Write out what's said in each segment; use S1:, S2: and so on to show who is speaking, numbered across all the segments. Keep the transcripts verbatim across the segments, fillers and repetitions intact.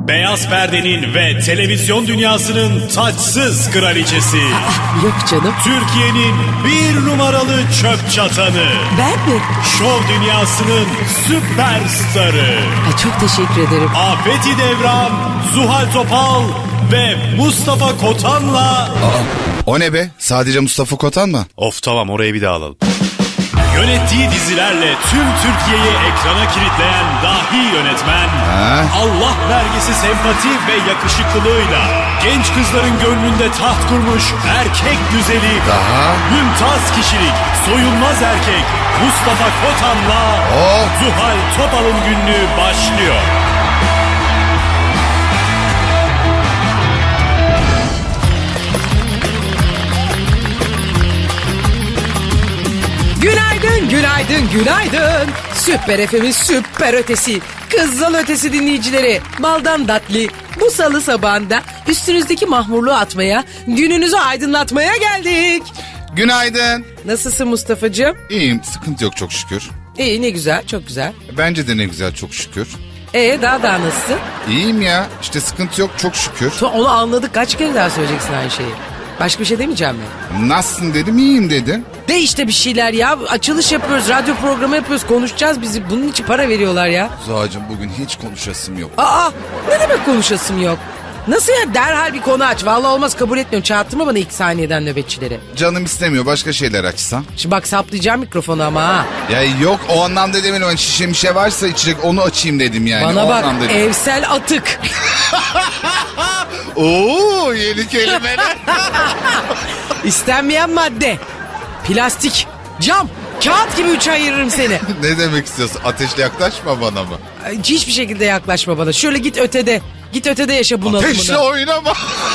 S1: Beyaz perdenin ve televizyon dünyasının taçsız kraliçesi.
S2: Aa, yok canım.
S1: Türkiye'nin bir numaralı çöp çatanı.
S2: Ben mi?
S1: Şov dünyasının süperstarı.
S2: Ay, çok teşekkür ederim.
S1: Afeti Devran, Zuhal Topal ve Mustafa Kotan'la...
S3: Aa, o ne be? Sadece Mustafa Kotan mı?
S1: Of tamam, orayı bir daha alalım. Yönettiği dizilerle tüm Türkiye'yi ekrana kilitleyen dahi yönetmen,
S3: Ha?
S1: Allah vergisi sempati ve yakışıklılığıyla genç kızların gönlünde taht kurmuş erkek güzeli,
S3: Daha?
S1: mümtaz kişilik, soyulmaz erkek Mustafa Kotan'la
S3: Oh!
S1: Zuhal Topal'ın günlüğü başlıyor.
S2: Günaydın, günaydın, günaydın. Süper F M'in süper ötesi, kızıl ötesi dinleyicileri. Baldan datli, bu salı sabahında üstünüzdeki mahmurluğu atmaya, gününüzü aydınlatmaya geldik.
S3: Günaydın.
S2: Nasılsın Mustafa'cığım?
S3: İyiyim, sıkıntı yok çok şükür.
S2: İyi, ne güzel, çok güzel.
S3: Bence de ne güzel çok şükür.
S2: Ee daha daha nasılsın?
S3: İyiyim ya, işte sıkıntı yok çok şükür.
S2: To- Onu anladık, kaç kere daha söyleyeceksin aynı şeyi. Başka bir şey demeyeceğim mi?
S3: Nasılsın dedim, iyiyim dedim.
S2: De işte bir şeyler ya. Açılış yapıyoruz, radyo programı yapıyoruz, konuşacağız bizi. Bunun için para veriyorlar ya.
S3: Zuhal'cığım bugün hiç konuşasım yok.
S2: Aa, ne demek konuşasım yok? Nasıl ya, derhal bir konu aç. Vallahi olmaz, kabul etmiyorum. Çağırttırma bana ilk saniyeden nöbetçileri.
S3: Canım istemiyor, başka şeyler açsam.
S2: Şimdi bak, saplayacağım mikrofonu ama ha.
S3: Ya yok, o anlamda demedim. Hani şişe mişe varsa içecek, onu açayım dedim yani.
S2: Bana
S3: o
S2: bak,
S3: anlamda dedim.
S2: evsel atık.
S3: Oo, yeni kelimeler.
S2: İstenmeyen madde. Plastik, cam, kağıt gibi üçe ayırırım seni.
S3: Ne demek istiyorsun? Ateşle yaklaşma bana mı?
S2: Hiçbir şekilde yaklaşma bana. Şöyle git ötede. Git ötede yaşa bunalımını.
S3: Ateşle oynama.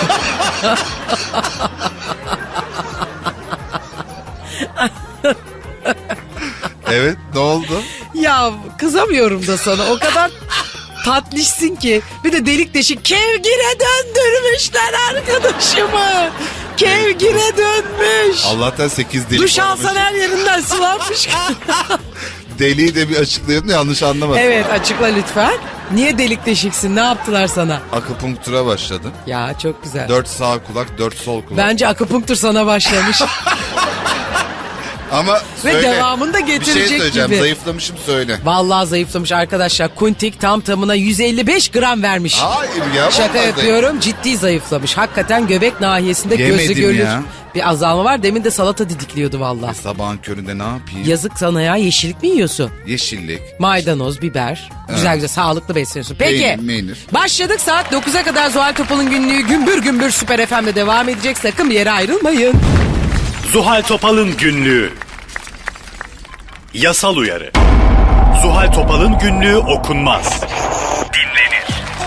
S3: Evet, ne oldu?
S2: Ya kızamıyorum da sana, o kadar tatlışsın ki. Bir de delik deşik kevgire döndürmüşler arkadaşımı. Kevgire dönmüş.
S3: Allah'tan sekiz delik
S2: Duş
S3: varmış.
S2: alsan her yerinden sulanmış.
S3: Deliği de bir açıklayalım, yanlış anlamasın.
S2: Evet, açıkla lütfen. Niye delik deşiksin, ne yaptılar sana?
S3: Akupunktura başladım.
S2: Ya çok güzel.
S3: Dört sağ kulak, dört sol kulak.
S2: Bence akupunktur sana başlamış.
S3: Ama
S2: Ve
S3: söyle.
S2: devamını da
S3: Bir şey
S2: getirecek
S3: söyleyeceğim,
S2: gibi.
S3: zayıflamışım söyle.
S2: Vallahi zayıflamış arkadaşlar. Kuntik tam tamına yüz elli beş gram vermiş.
S3: Hayır ya.
S2: Şaka
S3: vallahi
S2: yapıyorum, ciddi zayıflamış. Hakikaten göbek nahiyesinde gözü
S3: Yemedim
S2: görülür
S3: ya.
S2: bir azalma var. Demin de salata didikliyordu vallahi.
S3: Sabahın köründe ne yapayım?
S2: Yazık sana ya, yeşillik mi yiyorsun?
S3: Yeşillik.
S2: Maydanoz, biber. Güzel güzel sağlıklı besleniyorsun. Peki.
S3: Peynir, meynir.
S2: Başladık, saat dokuza kadar Zuhal Topal'ın günlüğü gümbür gümbür Süper F M'de devam edecek. Sakın bir yere ayrılmayın.
S1: Zuhal Topal'ın günlüğü. Yasal uyarı. Zuhal Topal'ın günlüğü okunmaz. Dinlenir.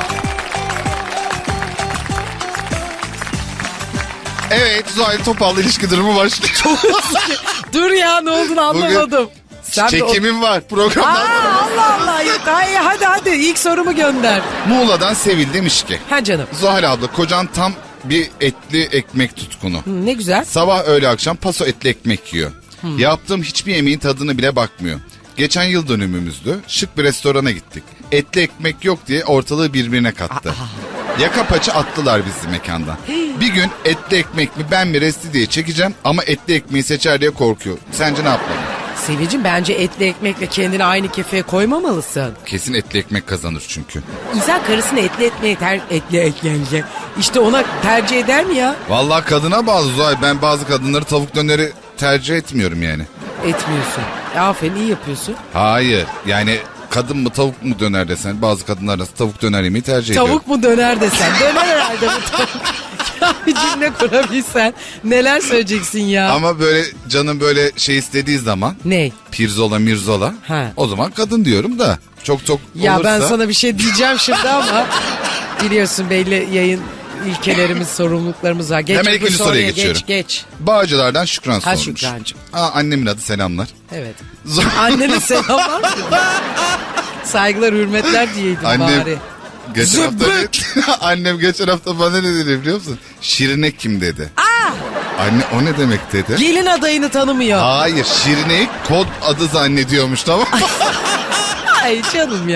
S3: Evet, Zuhal Topal'la ilişki durumu başlıyor.
S2: Dur ya, ne olduğunu anlamadım. Sen de o-
S3: Çekimim var programdan
S2: Aa,
S3: sonra.
S2: Allah Allah. Ya, hadi hadi hadi ilk sorumu gönder.
S3: Muğla'dan Sevil demiş ki.
S2: Ha canım.
S3: Zuhal abla, kocan tam bir etli ekmek tutkunu.
S2: Hı, ne güzel.
S3: Sabah öğle akşam paso etli ekmek yiyor. Yaptığım hiçbir yemeğin tadını bile bakmıyor. Geçen yıl dönümümüzdü. Şık bir restorana gittik. Etli ekmek yok diye ortalığı birbirine kattı. Yaka paça attılar bizi mekandan. Bir gün etli ekmek mi ben mi resti diye çekeceğim ama etli ekmeği seçer diye korkuyor. Sence ne yapmalıyım?
S2: Sevicim, bence etli ekmekle kendini aynı kefeye koymamalısın.
S3: Kesin etli ekmek kazanır çünkü.
S2: İnsan karısını etli etmeye ter... Etli eklenecek. İşte ona tercih eder mi ya?
S3: Vallahi kadına bağlı Zuhal. Ben bazı kadınları tavuk döneri tercih etmiyorum yani.
S2: Etmiyorsun. E, aferin, iyi yapıyorsun.
S3: Hayır yani kadın mı tavuk mu döner desen bazı kadınlar da tavuk döner yemeyi tercih ediyor.
S2: Tavuk mu döner desen. Döner herhalde bu tavuk. Ya bir cümle kurabilsen neler söyleyeceksin ya.
S3: Ama böyle canım böyle şey istediği zaman
S2: Ne?
S3: pirzola mirzola
S2: Ha.
S3: o zaman kadın diyorum da çok çok
S2: Ya
S3: olursa.
S2: ben sana bir şey diyeceğim şimdi ama biliyorsun belli yayın ilkelerimiz, sorumluluklarımız var. Geç
S3: Hemen
S2: bu
S3: ikinci soruya geçiyorum.
S2: Geç geç.
S3: Bağcılardan Şükran
S2: Ha,
S3: sormuş.
S2: Şükrancığım.
S3: Aa, annemin adı selamlar.
S2: Evet. Annene selamlar mı? Saygılar, hürmetler diyeydim
S3: Annem
S2: bari.
S3: geçen hafta
S2: Zıbık.
S3: annem geçen hafta bana ne dedi biliyor musun? Şirine kim dedi.
S2: Aa!
S3: Anne o ne demek dedi.
S2: Gelin adayını tanımıyor.
S3: Hayır, Şirine'yi kod adı zannediyormuş, tamam mı?
S2: Ay canım ya.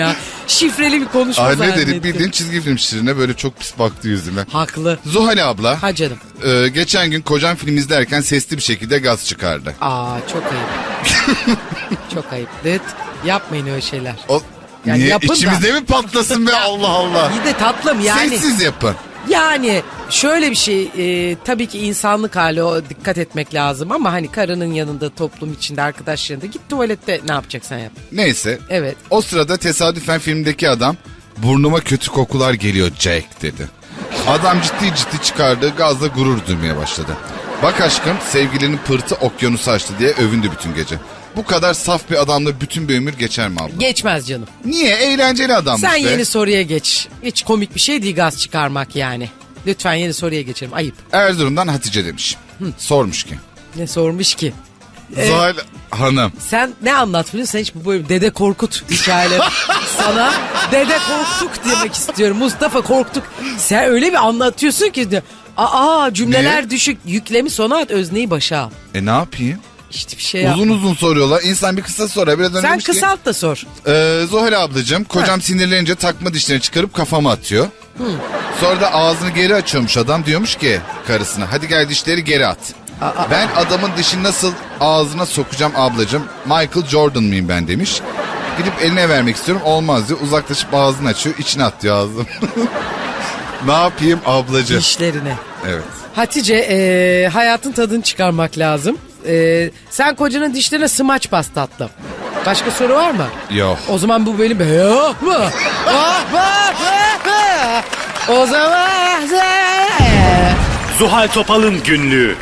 S2: şifreli bir konuşma
S3: Anne
S2: zannettim.
S3: dedim bildiğin çizgi film şirine böyle çok pis baktı yüzüme.
S2: Haklı.
S3: Zuhal abla
S2: Ha canım.
S3: e, geçen gün kocam film izlerken sesli bir şekilde gaz çıkardı.
S2: Aa çok ayıp. Çok ayıp. Evet, yapmayın öyle şeyler.
S3: O,
S2: Yani
S3: niye
S2: yapın da.
S3: içimizde mi patlasın be Allah Allah.
S2: İyi de tatlım yani.
S3: Sessiz yapın.
S2: Yani şöyle bir şey e, tabii ki insanlık hali o dikkat etmek lazım ama hani karının yanında toplum içinde arkadaşlarında git tuvalette ne yapacaksan yap.
S3: Neyse.
S2: Evet.
S3: O sırada tesadüfen filmdeki adam burnuma kötü kokular geliyor Jack dedi. Adam ciddi ciddi çıkardığı gazla gurur duymaya başladı. Bak aşkım sevgilinin pırtı okyanusu açtı diye övündü bütün gece. Bu kadar saf bir adamla bütün bir ömür geçer mi abla?
S2: Geçmez canım.
S3: Niye? Eğlenceli adam
S2: Sen
S3: işte.
S2: yeni soruya geç. Hiç komik bir şey değil gaz çıkarmak yani. Lütfen yeni soruya geçelim. Ayıp.
S3: Erzurum'dan Hatice demiş. Sormuş ki.
S2: Ne sormuş ki?
S3: Zuhal Hanım.
S2: Sen ne anlatmıyorsun? Sen hiç bu bölüm Dede Korkut hikayeleri. Sana Dede Korktuk demek istiyorum. Mustafa Korktuk. Sen öyle bir anlatıyorsun ki. de, Aa cümleler
S3: Ne?
S2: düşük. Yüklemi sona at, özneyi başa al.
S3: E ne yapayım?
S2: İşte bir şey yap.
S3: Uzun uzun soruyorlar. İnsan bir kısa sorar. Biraz önce
S2: Sen
S3: demiş ki,
S2: kısalt da sor.
S3: Ee, Zuhal ablacığım kocam sinirlenince takma dişlerini çıkarıp kafama atıyor. Sonra da ağzını geri açıyormuş adam, diyormuş ki karısına hadi gel dişleri geri at. Ben adamın dişini nasıl ağzına sokacağım ablacığım, Michael Jordan mıyım ben demiş. Gidip eline vermek istiyorum, olmaz diyor, uzaklaşıp ağzını açıyor, içine at diyor ağzım. Ne yapayım ablacığım?
S2: Dişlerine.
S3: Evet.
S2: Hatice e, hayatın tadını çıkarmak lazım. E, sen kocanın dişlerine smaç bas tatlım. Başka soru var mı?
S3: Yok.
S2: O zaman bu benim yok mu? Ah, ah, ah, ah. O zaman
S1: Zuhal Topal'ın günlüğü.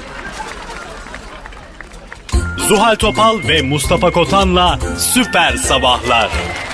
S1: Zuhal Topal ve Mustafa Kotan'la Süper Sabahlar.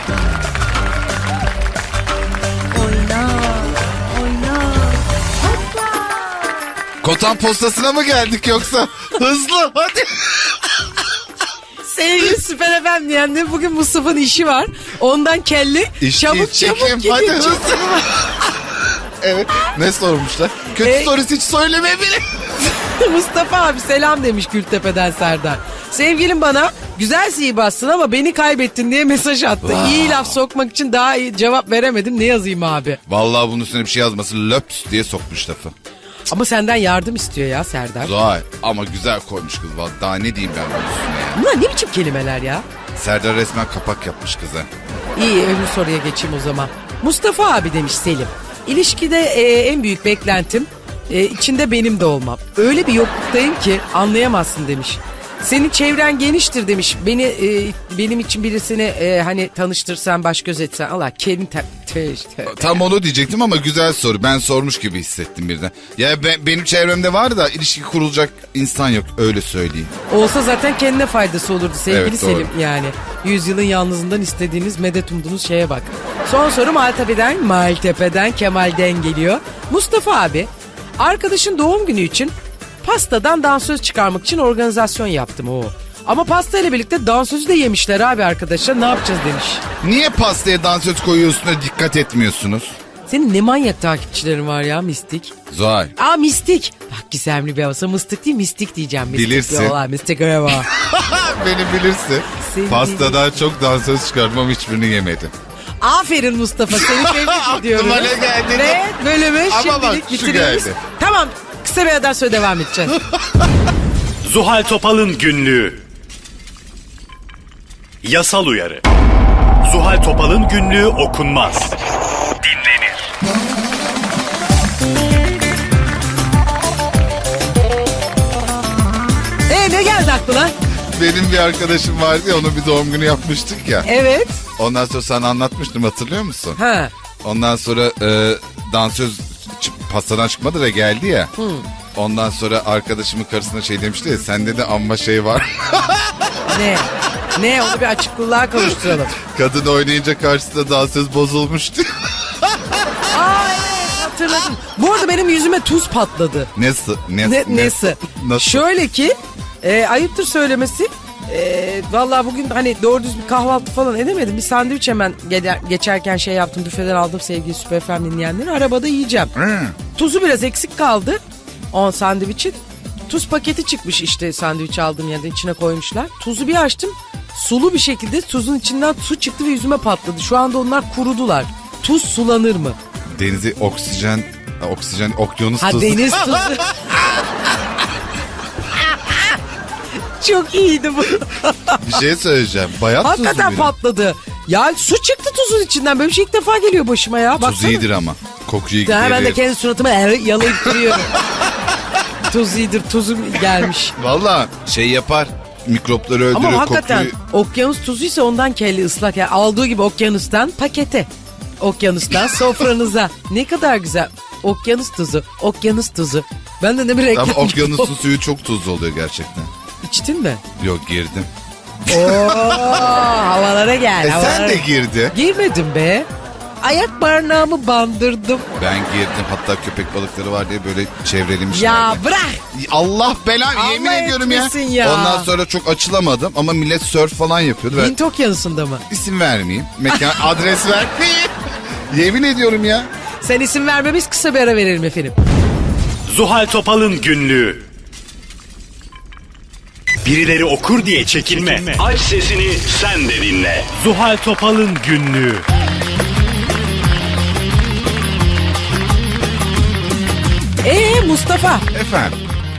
S3: Kotan postasına mı geldik yoksa? Hızlı hadi.
S2: sevgili Süper Efendi diyenler bugün Mustafa'nın işi var. Ondan kelli
S3: İş
S2: çabuk
S3: değil,
S2: çabuk
S3: çekim.
S2: gidiyor.
S3: Hadi hızlı. Evet. Ne sormuşlar? Kötü
S2: E-
S3: sorusu hiç söyleme bile.
S2: Mustafa abi selam demiş Gültepe'den Serdar. Sevgilim bana güzel sihibassın ama beni kaybettin diye mesaj attı. İyi laf sokmak için daha iyi cevap veremedim. Ne yazayım abi?
S3: Vallahi bunun üstüne bir şey yazması löps diye sokmuş lafı.
S2: Ama senden yardım istiyor ya Serdar.
S3: Zuhal ama güzel koymuş kız. Vallahi daha ne diyeyim ben bunun üstüne ya.
S2: Bunlar ne biçim kelimeler ya?
S3: Serdar resmen kapak yapmış kıza.
S2: İyi öbür soruya geçeyim o zaman. Mustafa abi demiş Selim. İlişkide e, en büyük beklentim e, içinde benim de olmam. Öyle bir yokluktayım ki anlayamazsın demiş. Senin çevren geniştir demiş. Beni e, benim için birisini e, hani tanıştırsan, baş göz etsen. Allah kendin te- te- te-
S3: Tam onu diyecektim ama güzel soru. Ben sormuş gibi hissettim birden. Ya ben, benim çevremde var da ilişki kurulacak insan yok, öyle söyleyeyim.
S2: Olsa zaten kendine faydası olurdu sevgili
S3: Evet, doğru.
S2: Selim yani. Yüzyılın yalnızından istediğiniz, medet umduğunuz şeye bak. Son soru Maltepe'den, Maltepe'den Kemal'den geliyor. Mustafa abi, arkadaşın doğum günü için pastadan dansöz çıkarmak için organizasyon yaptım o. Ama pasta ile birlikte dansözü de yemişler abi arkadaşlar, ne yapacağız demiş.
S3: Niye pastaya dansöz koyuyorsun da dikkat etmiyorsunuz?
S2: Senin ne manyak takipçilerin var ya mistik.
S3: Zuhal.
S2: Aa mistik. Bak gizemli bir havası, mıstık değil mistik diyeceğim. Mistik
S3: Bilirsin.
S2: diyorlar, mistik öyle var.
S3: Beni bilirsin.
S2: Seni
S3: Pastadan çok dansöz çıkartmam, hiçbirini yemedim.
S2: Aferin Mustafa, seni tebrik ediyorum.
S3: Aklıma ne geldi?
S2: Ve bölümü
S3: Ama bak,
S2: şimdilik
S3: şu
S2: bitiriyoruz.
S3: geldi.
S2: Tamam, kısa bir yerden sonra devam edeceğiz.
S1: Zuhal Topal'ın günlüğü. Yasal uyarı. Zuhal Topal'ın günlüğü okunmaz. Dinlenir.
S2: Ee ne geldi aklına?
S3: Benim bir arkadaşım vardı ya, onun bir doğum günü yapmıştık ya.
S2: Evet.
S3: Ondan sonra sana anlatmıştım, hatırlıyor musun?
S2: Ha.
S3: Ondan sonra e, dansöz ç- pastadan çıkmadı da geldi ya. Ondan sonra arkadaşımın karısına şey demişti ya, sende de amma şey var.
S2: Ne? Ne? Onu bir açıklığa kavuşturalım.
S3: Kadın oynayınca karşısında dansöz bozulmuştu.
S2: Aa evet, hatırladım. Bu arada benim yüzüme tuz patladı.
S3: Nesi? Ne,
S2: Ne, nesi?
S3: Nasıl?
S2: Şöyle ki e, ayıptır söylemesi. E, vallahi bugün hani doğru düz bir kahvaltı falan edemedim. Bir sandviç hemen gele- geçerken şey yaptım. Büfeden aldım sevgili Süper F M dinleyenleri. Arabada yiyeceğim.
S3: Hı.
S2: Tuzu biraz eksik kaldı. O sandviçin. Tuz paketi çıkmış işte, sandviç aldığım yerde içine koymuşlar. Tuzu bir açtım. sulu bir şekilde tuzun içinden su çıktı ve yüzüme patladı. Şu anda onlar kurudular. Tuz sulanır mı?
S3: Denizi oksijen, oksijen, okyanus
S2: Ha
S3: tuzu.
S2: deniz tuzu. Çok iyiydi bu.
S3: Bir şey söyleyeceğim. Bayat tuzu
S2: Hakikaten
S3: bile.
S2: patladı. Ya su çıktı tuzun içinden. Böyle bir şey ilk defa geliyor başıma ya.
S3: Tuz
S2: Baksana.
S3: iyidir ama. Kokuyu
S2: Ya ben de
S3: giderir.
S2: kendi suratıma yalayıp duruyorum. Tuz iyidir, tuzum gelmiş.
S3: Valla şey yapar. Mikropları öldürür.
S2: Ama hakikaten
S3: kokuyu...
S2: okyanus tuzuysa ondan kelli ıslak. Yani aldığı gibi okyanustan pakete. Okyanustan sofranıza. Ne kadar güzel. Okyanus tuzu, okyanus tuzu. Ben de ne bir reklam.
S3: Ama okyanusun suyu çok tuzlu oluyor gerçekten.
S2: İçtin mi?
S3: Yok girdim.
S2: Oo, havalara gel.
S3: E
S2: havalara.
S3: sen de girdi.
S2: Girmedim be. Ayak barnağımı bandırdım.
S3: Ben girdim. Hatta köpek balıkları var diye böyle çevrelemişler.
S2: Ya bırak.
S3: Allah belanı
S2: Allah
S3: yemin ediyorum ya.
S2: etmesin ya.
S3: Ondan sonra çok açılamadım ama millet surf falan yapıyordu. Ben
S2: Hint okyanusunda mı?
S3: isim vermeyeyim. Mekan adres vermeyeyim. Yemin ediyorum ya.
S2: Sen isim verme, biz kısa bir ara verelim efendim.
S1: Zuhal Topal'ın günlüğü. Birileri okur diye çekinme. Aç sesini sen de dinle. Zuhal Topal'ın günlüğü.
S2: Ee Mustafa,
S3: Efendim.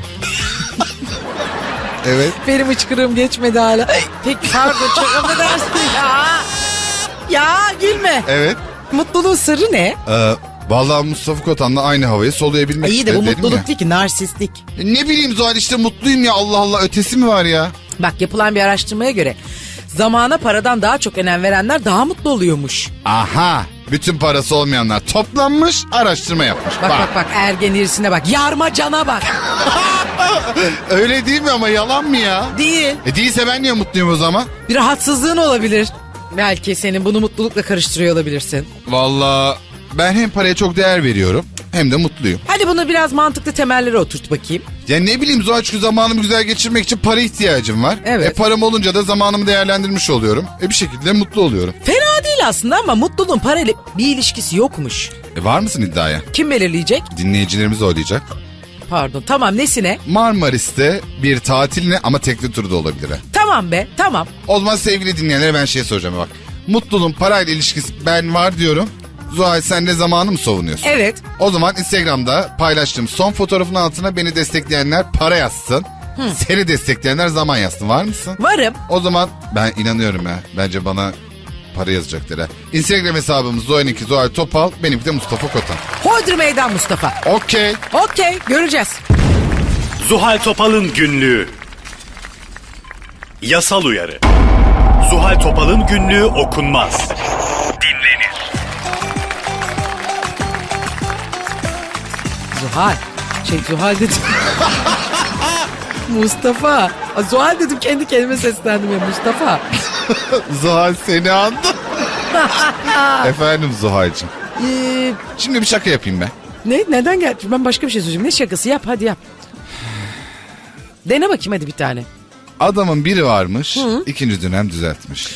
S3: Evet.
S2: benim hıçkırığım geçmedi hala. Peki pardon, çok affedersin ya. Ya gülme.
S3: Evet.
S2: Mutluluğun sırrı ne?
S3: Ee, vallahi Mustafa Kotan'la aynı havayı soluyabilmek
S2: İyi de
S3: işte
S2: bu
S3: dedim
S2: mutluluk
S3: ya.
S2: değil ki, narsistlik.
S3: E, Ne bileyim Zuhal işte mutluyum ya Allah Allah ötesi mi var ya?
S2: Bak, yapılan bir araştırmaya göre zamana paradan daha çok önem verenler daha mutlu oluyormuş.
S3: Aha bütün parası olmayanlar toplanmış araştırma yapmış.
S2: Bak bak bak, ergen irisine bak, yarma cana bak.
S3: Öyle değil mi ama yalan mı ya?
S2: Değil.
S3: E değilse ben niye mutluyum o zaman?
S2: Bir rahatsızlığın olabilir. Belki senin bunu mutlulukla karıştırıyor olabilirsin.
S3: Vallahi ben hem paraya çok değer veriyorum hem de mutluyum.
S2: Hadi bunu biraz mantıklı temellere oturt bakayım.
S3: Ya ne bileyim Zuhal çünkü zamanımı güzel geçirmek için para ihtiyacım var.
S2: Evet.
S3: E param olunca da zamanımı değerlendirmiş oluyorum. E bir şekilde mutlu oluyorum.
S2: Fena değil aslında ama mutluluğun parayla bir ilişkisi yokmuş.
S3: E var mısın iddiaya?
S2: Kim belirleyecek?
S3: Dinleyicilerimiz oylayacak.
S2: Pardon, tamam, nesine?
S3: Marmaris'te bir tatiline ama tekli tur da olabilir. ha.
S2: Tamam be, tamam.
S3: O zaman sevgili dinleyenlere ben şey soracağım bak. Mutluluğun parayla ilişkisi ben var diyorum. Zuhal sen de zamanı mı savunuyorsun?
S2: Evet.
S3: O zaman Instagram'da paylaştığım son fotoğrafın altına beni destekleyenler para yazsın. Seni destekleyenler zaman yazsın. Var mısın?
S2: Varım.
S3: O zaman ben inanıyorum ya. Bence bana para yazacaklar ha. Instagram hesabımız Zuhal'inki Zuhal Topal. Benimki de Mustafa Kotan.
S2: Hodri meydan Mustafa.
S3: Okey.
S2: Okey, göreceğiz.
S1: Zuhal Topal'ın günlüğü. Yasal uyarı. Zuhal Topal'ın günlüğü okunmaz. Dinlenir.
S2: Zuhal. Şey Zuhal dedim. Mustafa. Aa, Zuhal dedim, kendi kendime seslendim ya, Mustafa.
S3: Zuhal seni andı. Efendim Zuhal'cığım.
S2: Ee,
S3: Şimdi bir şaka yapayım ben.
S2: ne? Neden geldi? Ben başka bir şey söyleyeceğim. Ne şakası? Yap, hadi yap. Dene bakayım hadi bir tane.
S3: Adamın biri varmış, ikinci dönem düzeltmiş.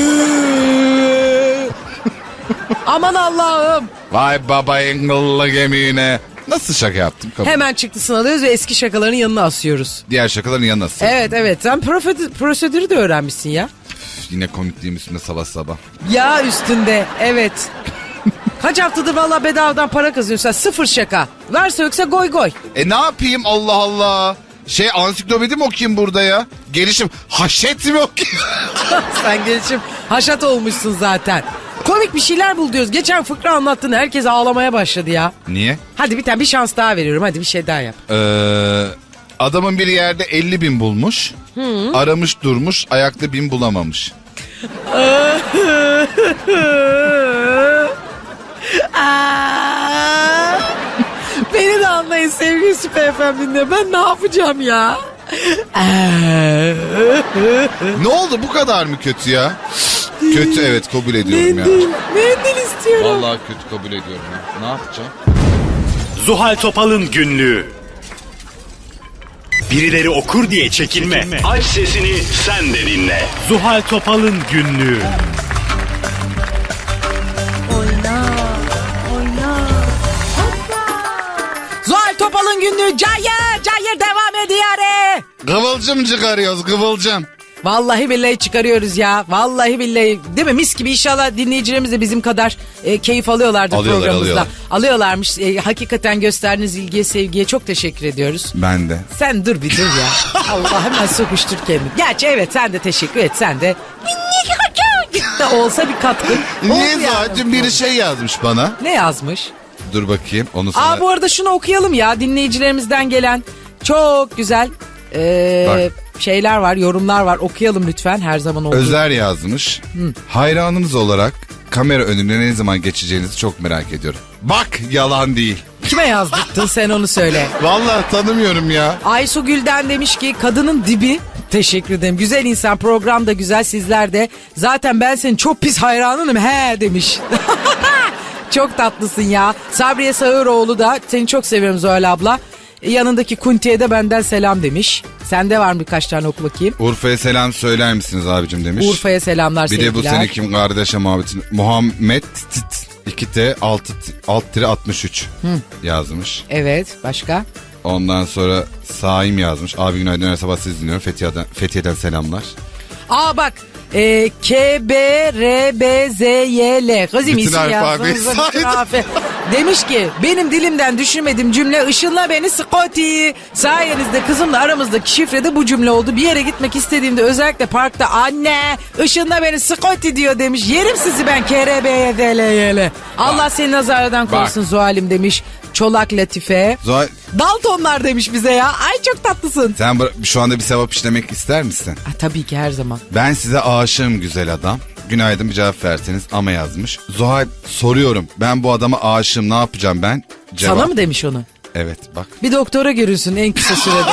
S2: Aman Allah'ım.
S3: Vay baba engıllı gemine. Nasıl şaka yaptım? Kabul.
S2: Hemen çıktısını alıyoruz ve eski şakaların yanına asıyoruz.
S3: Diğer şakaların yanına sığ.
S2: Evet evet, sen profe- prosedürü de öğrenmişsin ya.
S3: Üf, Yine komikliğim üstünde sabah sabah.
S2: Ya üstünde, evet. Kaç haftadır vallahi bedavadan para kazanıyorsun sen, sıfır şaka. Varsa yoksa goy goy.
S3: E ne yapayım Allah Allah. Şey ansiklopedi mi okuyayım burada ya? Gelişim haşet mi okuyayım?
S2: Sen gelişim haşat olmuşsun zaten. Komik bir şeyler bul diyoruz. Geçen fıkra anlattın, herkes ağlamaya başladı ya.
S3: Niye?
S2: Hadi bir tane bir şans daha veriyorum, hadi bir şey daha yap.
S3: Ee, adamın bir yerde elli bin bulmuş. Aramış durmuş ayakta bin bulamamış.
S2: Aa! Beni de anlayın sevgili Süper F M dinle. Ben ne yapacağım ya?
S3: Ne oldu bu kadar mı kötü ya? Kötü evet kabul ediyorum ya.
S2: Mendil, mendil istiyorum.
S3: Vallahi kötü kabul ediyorum ya. Ne yapacağım?
S1: Zuhal Topal'ın günlüğü. Birileri okur diye çekinme. Aç sesini sen de dinle. Zuhal Topal'ın günlüğü.
S2: Zuhal Topal'ın günlüğü cayır cayır devam ediyor.
S3: Kıvılcım çıkarıyoruz kıvılcım.
S2: Vallahi billahi çıkarıyoruz ya. Vallahi billahi. Değil mi? Mis gibi inşallah dinleyicilerimiz de bizim kadar e, keyif alıyorlardır
S3: Alıyorlar,
S2: programımızda.
S3: alıyorlar.
S2: Alıyorlarmış. E, hakikaten gösterdiğiniz ilgiye, sevgiye çok teşekkür ediyoruz.
S3: Ben de.
S2: Sen dur bir dur ya. Allah hemen sokuştur kendini. Gerçi evet sen de teşekkür et. Sen de de olsa bir katkı.
S3: Niye
S2: oldu yani.
S3: zaten biri şey yazmış bana.
S2: Ne yazmış?
S3: Dur bakayım onu sana.
S2: Aa bu arada şunu okuyalım ya. Dinleyicilerimizden gelen çok güzel e, şeyler var, yorumlar var. Okuyalım lütfen her zaman olduğu.
S3: Özer yazmış. Hayranınız olarak kamera önüne ne zaman geçeceğinizi çok merak ediyorum. Bak yalan değil.
S2: Kime yazdırttın sen onu söyle.
S3: Vallahi tanımıyorum ya.
S2: Aysu Gül'den demiş ki kadının dibi. Teşekkür ederim. Güzel insan, program da güzel, sizler de. Zaten ben senin çok pis hayranınım he demiş. Çok tatlısın ya. Sabriye Sağıroğlu da seni çok seviyorum Zuhal abla. E, Yanındaki Kunti'ye de benden selam demiş. Sende var mı birkaç tane oku bakayım.
S3: Urfa'ya selam söyler misiniz abicim demiş.
S2: Urfa'ya selamlar
S3: Bir
S2: sevgiler.
S3: de bu sene kim kardeşe muhabbetin. Muhammed Tit iki T altı alt tire altmış üç yazmış.
S2: Evet başka?
S3: Ondan sonra Saim yazmış. Abi günaydın her sabah sizi dinliyorum. Fethiye'den, Fethiye'den selamlar.
S2: Aa bak. E, K, B, R, B, Z, Y, L. Kızım
S3: Bütün
S2: isim
S3: alfabeyi
S2: yazdığınızda bütün
S3: saydı.
S2: harfi. Demiş ki benim dilimden düşürmediğim cümle ışınla beni Scotty. Sayenizde kızımla aramızdaki şifre de bu cümle oldu. Bir yere gitmek istediğimde özellikle parkta anne ışınla beni Scotty diyor demiş. Yerim sizi ben K, R, B, Y, Z, L, Y, L. Allah seni nazardan korusun Zuhal'im demiş. Çolak Latife.
S3: Zuhal
S2: Daltonlar demiş bize ya. Ay çok tatlısın.
S3: sen bıra- şu anda bir sevap işlemek ister misin?
S2: Ha, tabii ki her zaman.
S3: Ben size aşığım güzel adam. Günaydın bir cevap verseniz ama yazmış. Zuhal soruyorum ben bu adama aşığım ne yapacağım ben? Cevap.
S2: Sana mı demiş onu?
S3: Evet bak.
S2: Bir doktora görünsün en kısa sürede.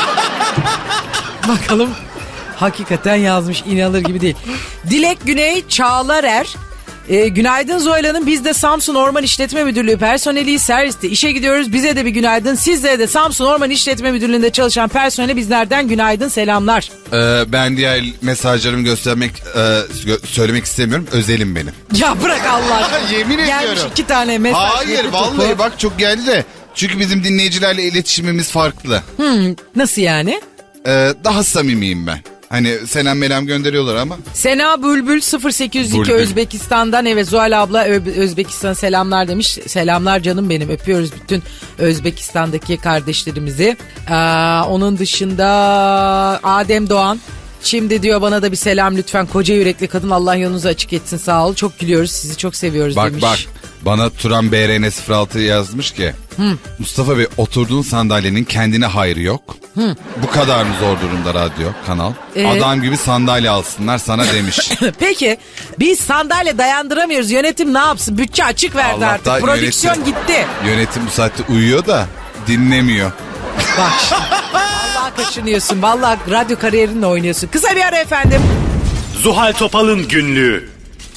S2: Bakalım hakikaten yazmış, inanılır gibi değil. Dilek Güney Çağlarer. Ee, günaydın Zuhal Hanım. Biz de Samsun Orman İşletme Müdürlüğü personeliyiz, serviste işe gidiyoruz. Bize de bir günaydın. Sizlere de Samsun Orman İşletme Müdürlüğü'nde çalışan personele bizlerden günaydın, selamlar.
S3: Ee, ben diğer mesajlarımı göstermek e, gö- söylemek istemiyorum. Özelim benim.
S2: Ya bırak Allah aşkına.
S3: Yemin
S2: Gelmiş
S3: ediyorum.
S2: iki tane mesaj.
S3: Hayır
S2: yapı
S3: vallahi
S2: topu.
S3: bak çok geldi de. Çünkü bizim dinleyicilerle iletişimimiz farklı.
S2: Hmm, nasıl yani?
S3: Ee, daha samimiyim ben. Hani selam melam gönderiyorlar ama.
S2: Sena Bülbül sıfır sekiz yüz iki
S3: Bülbül. Özbekistan'dan,
S2: evet Zuhal abla Ö- Özbekistan'a selamlar demiş. Selamlar canım benim, öpüyoruz bütün Özbekistan'daki kardeşlerimizi. Aa, onun dışında Adem Doğan. Şimdi diyor bana da bir selam lütfen koca yürekli kadın, Allah yolunuzu açık etsin, sağ ol. Çok gülüyoruz, sizi çok seviyoruz
S3: Bak
S2: demiş.
S3: bak bana Turan B R N sıfır altı yazmış ki. Mustafa Bey oturduğun sandalyenin kendine hayrı yok. Bu kadar mı zor durumda radyo kanal?
S2: Ee?
S3: Adam gibi sandalye alsınlar sana demiş.
S2: Peki biz sandalye dayandıramıyoruz, yönetim ne yapsın? Bütçe açık verdi
S3: Allah'tan
S2: artık, prodüksiyon
S3: yönetim-
S2: gitti.
S3: Yönetim bu saatte uyuyor da dinlemiyor.
S2: Bak şimdi. Vallahi kaşınıyorsun. Vallahi radyo kariyerinle oynuyorsun. Kısa bir ara efendim.
S1: Zuhal Topal'ın günlüğü.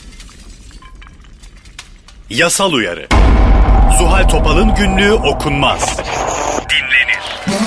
S1: Yasal uyarı. Zuhal Topal'ın günlüğü okunmaz. Dinlenir.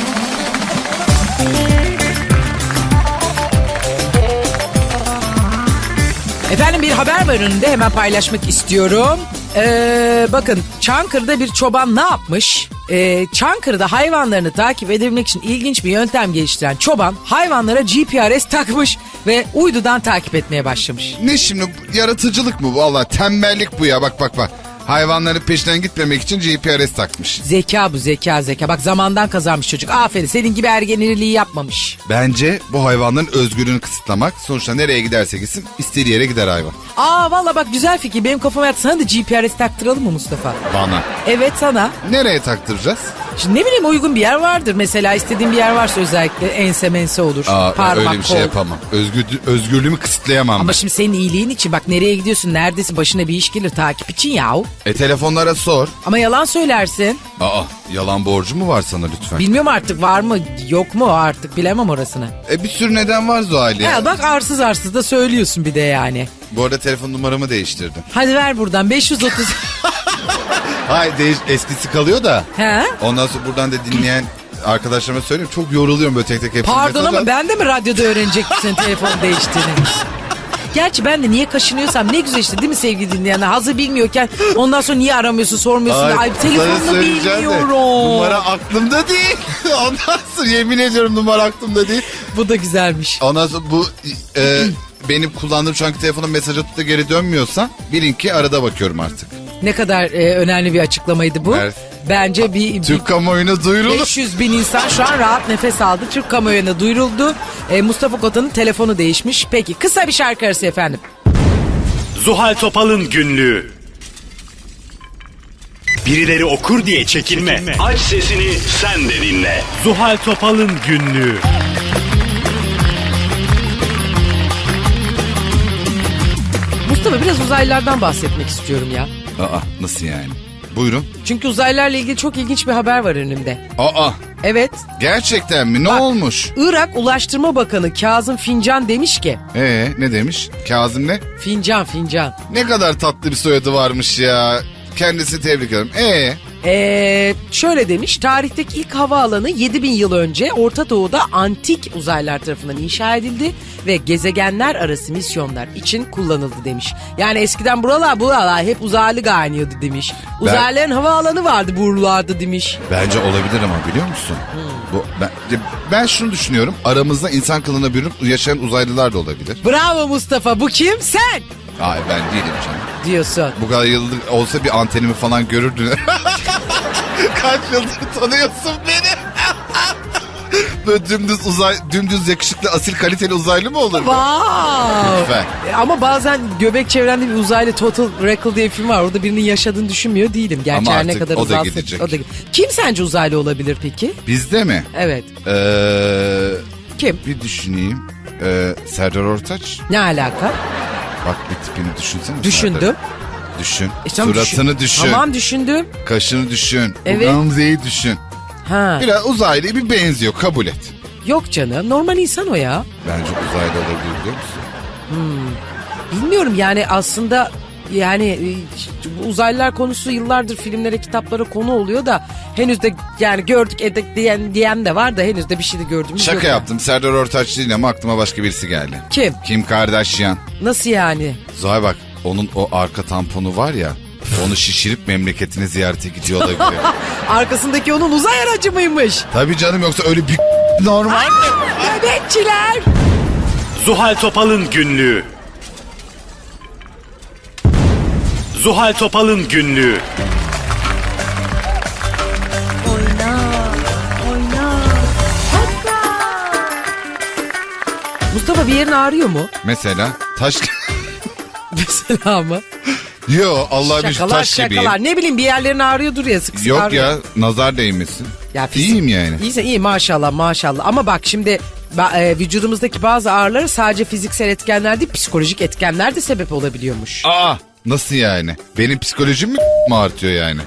S2: Efendim bir haber var önünde, hemen paylaşmak istiyorum. Ee, bakın Çankırı'da bir çoban ne yapmış? Ee, Çankırı'da hayvanlarını takip edebilmek için ilginç bir yöntem geliştiren çoban hayvanlara G P R S takmış ve uydudan takip etmeye başlamış.
S3: Ne şimdi bu yaratıcılık mı bu? Allah tembellik bu ya bak bak bak. Hayvanların peşinden gitmemek için G P R S takmış.
S2: Zeka bu, zeka zeka. Bak zamandan kazanmış çocuk. Aferin, senin gibi ergenirliği yapmamış.
S3: Bence bu hayvanların özgürlüğünü kısıtlamak. Sonuçta nereye giderse gitsin istediği yere gider hayvan.
S2: Aa valla bak güzel fikir. Benim kafama yattı. Sana da G P R S taktıralım mı Mustafa?
S3: Bana.
S2: Evet sana.
S3: Nereye taktıracağız?
S2: Şimdi ne bileyim uygun bir yer vardır. Mesela istediğin bir yer varsa özellikle ense mense olur.
S3: Aa,
S2: parmak,
S3: öyle bir şey
S2: kol.
S3: yapamam. Özgür, özgürlüğümü kısıtlayamam.
S2: Ama
S3: ben.
S2: şimdi senin iyiliğin için bak nereye gidiyorsun, neredesin, başına bir iş gelir takip için yahu.
S3: E telefonlara sor.
S2: Ama yalan söylersin.
S3: Aa yalan borcu mu var sana lütfen?
S2: Bilmiyorum artık var mı yok mu artık bilemem orasını.
S3: E bir sürü neden var Zuhal ya.
S2: Ya bak arsız arsız da söylüyorsun bir de yani.
S3: Bu arada telefon numaramı değiştirdim.
S2: Hadi ver buradan beş yüz otuz.
S3: Hayır değiş eskisi kalıyor da.
S2: He?
S3: Ondan sonra buradan da dinleyen arkadaşlarıma söyleyeyim. Çok yoruluyorum böyle tek tek hepsini.
S2: Pardon
S3: mesaj
S2: ama
S3: al.
S2: ben de mi radyoda öğrenecektim senin telefonu değiştiğini? Gerçi ben de niye kaşınıyorsam ne güzel işte değil mi sevgili dinleyenler? Hazır bilmiyorken ondan sonra niye aramıyorsun sormuyorsun. Ay, Ay
S3: sana
S2: telefonunu
S3: söyleyeceğim de,
S2: bilmiyorum.
S3: numara aklımda değil. Ondan sonra yemin ediyorum numara aklımda değil.
S2: Bu da güzelmiş.
S3: Ondan sonra bu e, benim kullandığım şu anki telefonun mesaj atıp da geri dönmüyorsa bilin ki arada bakıyorum artık.
S2: Ne kadar e, önemli bir açıklamaydı bu.
S3: Evet.
S2: Bence bir, bir
S3: Türk kamuoyuna duyuruldu.
S2: beş yüz bin insan şu an rahat nefes aldı. Türk kamuoyuna duyuruldu. E, Mustafa Kota'nın telefonu değişmiş. Peki kısa bir şarkı arası efendim.
S1: Zuhal Topal'ın günlüğü. Birileri okur diye çekinme. Aç sesini sen de dinle. Zuhal Topal'ın günlüğü.
S2: Mustafa biraz uzaylılardan bahsetmek istiyorum ya.
S3: Aa, nasıl yani? Buyurun.
S2: Çünkü uzaylılarla ilgili çok ilginç bir haber var önümde.
S3: Aa,
S2: Evet.
S3: gerçekten mi? Ne
S2: Bak,
S3: olmuş?
S2: Irak Ulaştırma Bakanı Kazım Fincan demiş ki.
S3: Ee, ne demiş? Kazım ne?
S2: Fincan fincan.
S3: Ne kadar tatlı bir soyadı varmış ya. Kendisi tebrik ederim. Ee,
S2: Ee, şöyle demiş, tarihteki ilk havaalanı yedi bin yıl önce Orta Doğu'da antik uzaylılar tarafından inşa edildi ve gezegenler arası misyonlar için kullanıldı demiş. Yani eskiden buralar buralar hep uzaylı kaynıyordu demiş. Uzaylıların havaalanı vardı buralarda demiş.
S3: bence olabilir ama biliyor musun? Bu ben, ben şunu düşünüyorum. Aramızda insan kılığına bürünüp yaşayan uzaylılar da olabilir.
S2: Bravo Mustafa, bu kim? Sen
S3: Hayır, ben değilim canım.
S2: diyorsun.
S3: Bu kadar yıldır olsa bir antenimi falan görürdün. Kaç yıldır tanıyorsun beni? Böyle dümdüz uzay, dümdüz yakışıklı, asil, kaliteli uzaylı mı olur?
S2: Wow.
S3: Lütfen.
S2: Ama bazen göbek çevrende bir uzaylı Total Recall diye bir film var. Orada birinin yaşadığını düşünmüyor değilim. Gerçi
S3: Ama
S2: her ne
S3: artık
S2: kadar
S3: o da
S2: uzalsa-
S3: gidecek.
S2: o da- Kim sence uzaylı olabilir peki?
S3: Bizde mi?
S2: Evet.
S3: Ee,
S2: Kim?
S3: bir düşüneyim. Ee, Serdar Ortaç.
S2: Ne alaka?
S3: Bak bir tipini düşünsene.
S2: Düşündüm.
S3: Serdar. Düşün.
S2: E, tamam,
S3: Suratını düşün.
S2: Tamam düşündüm.
S3: Kaşını düşün.
S2: Evet.
S3: Bu Gamze'yi düşün.
S2: Ha.
S3: Biraz uzaylıya bir benziyor, kabul et.
S2: Yok canım, normal insan o ya.
S3: Bence uzaylı olabilir, biliyor musun?
S2: Bilmiyorum yani aslında yani e, bu uzaylılar konusu yıllardır filmlere, kitaplara konu oluyor da henüz de yani gördük edek diyen, diyen de var da henüz de bir şey de gördüğümüz yok.
S3: Şaka yaptım. Serdar Ortaç değil ama aklıma başka birisi geldi.
S2: Kim?
S3: Kim Kardashian.
S2: Nasıl yani?
S3: Zuhal bak, onun o arka tamponu var ya, onu şişirip memleketine ziyarete gidiyor olabilir.
S2: Arkasındaki onun uzay aracı mıymış?
S3: Tabii canım, yoksa öyle bir normal.
S2: Bebekçiler.
S1: Zuhal Topal'ın günlüğü. Zuhal Topal'ın günlüğü.
S2: Mustafa bir yerin ağrıyor mu?
S3: Mesela taş...
S2: Mesela mı?
S3: Yo, Allah bir
S2: Şakalar
S3: taş gibiyim.
S2: şakalar. Ne bileyim bir yerlerin ağrıyordur ya sık sık
S3: Yok
S2: ağrıyor.
S3: ya, nazar değmesin.
S2: Ya fizik-
S3: İyiyim yani.
S2: İyiyse iyi maşallah maşallah. Ama bak şimdi ba- e, vücudumuzdaki bazı ağrılara sadece fiziksel etkenler değil psikolojik etkenler de sebep olabiliyormuş.
S3: Aa, nasıl yani? Benim psikolojim mi mi artıyor yani?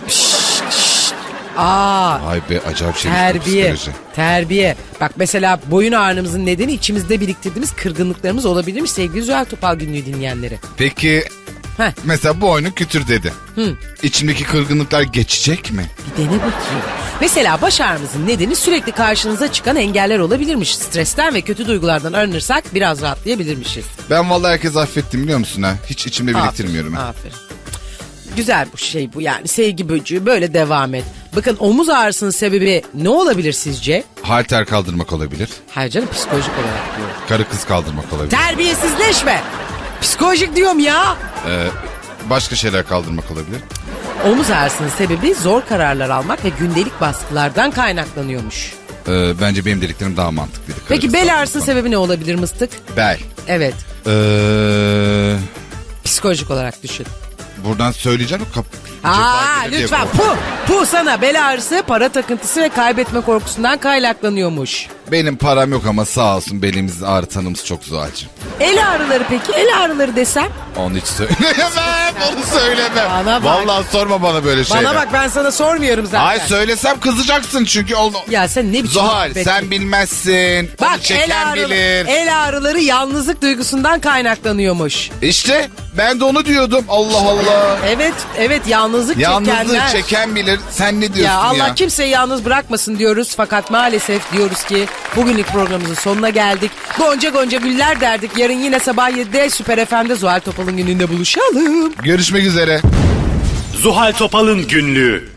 S2: Aa
S3: Ay be, acayip şey
S2: terbiye
S3: psikoloji.
S2: terbiye. Bak mesela boyun ağrımızın nedeni içimizde biriktirdiğimiz kırgınlıklarımız olabilirmiş sevgili Zuhal Topal günlüğü dinleyenleri.
S3: Peki
S2: Heh.
S3: mesela bu oyunu kütür dedi.
S2: Hı.
S3: İçimdeki kırgınlıklar geçecek mi?
S2: Bir dene bakayım. Mesela baş ağrımızın nedeni sürekli karşınıza çıkan engeller olabilirmiş. Stresten ve kötü duygulardan arınırsak biraz rahatlayabilirmişiz.
S3: Ben vallahi herkes affettim, biliyor musun ha? Hiç içimde biriktirmiyorum.
S2: Aferin,
S3: Ha.
S2: aferin. Güzel bu şey bu yani sevgi böcüğü böyle devam et. Bakın omuz ağrısının sebebi ne olabilir sizce?
S3: Halter kaldırmak olabilir.
S2: Hayır canım psikolojik olarak diyorum.
S3: Karı kız kaldırmak olabilir.
S2: Terbiyesizleşme. Psikolojik diyorum ya.
S3: Ee, başka şeyler kaldırmak olabilir.
S2: Omuz ağrısının sebebi zor kararlar almak ve gündelik baskılardan kaynaklanıyormuş.
S3: Ee, bence benim dediklerim daha mantıklıydı. Karı
S2: Peki
S3: kız
S2: bel
S3: kaldırmak
S2: ağrısının
S3: falan.
S2: sebebi ne olabilir mıstık?
S3: Bel.
S2: Evet.
S3: Ee,
S2: Psikolojik olarak düşün.
S3: buradan söyleyeceğim o kap...
S2: Aa
S3: ceza gelir diye
S2: lütfen
S3: korkuyorum.
S2: pu pu sana bel ağrısı para takıntısı ve kaybetme korkusundan kaynaklanıyormuş.
S3: Benim param yok ama sağ olsun belimiz ağrıtanımız çok Zuhal'cığım.
S2: El ağrıları peki el ağrıları desem?
S3: Onu hiç söylemem, onu söylemem.
S2: Bana bak.
S3: Vallahi sorma bana böyle şeyler.
S2: Bana bak ben sana sormuyorum zaten.
S3: Ay söylesem kızacaksın çünkü onu...
S2: Ya sen ne biçim
S3: Zuhal
S2: muhabbet-
S3: sen bilmezsin. Onu
S2: Bak el,
S3: çeken
S2: ağrıları,
S3: bilir.
S2: el ağrıları yalnızlık duygusundan kaynaklanıyormuş.
S3: İşte Ben de onu diyordum. Allah Allah.
S2: Evet, evet yalnızlık
S3: Yalnızlığı
S2: çekenler.
S3: çeken bilir. Sen ne diyorsun
S2: Ya
S3: ya?
S2: Allah kimseyi yalnız bırakmasın diyoruz. Fakat maalesef diyoruz ki bugünlük programımızın sonuna geldik. Gonca gonca güller derdik. Yarın yine sabah yedide Süper F M'de Zuhal Topal'ın gününde buluşalım.
S3: Görüşmek üzere.
S1: Zuhal Topal'ın günlüğü.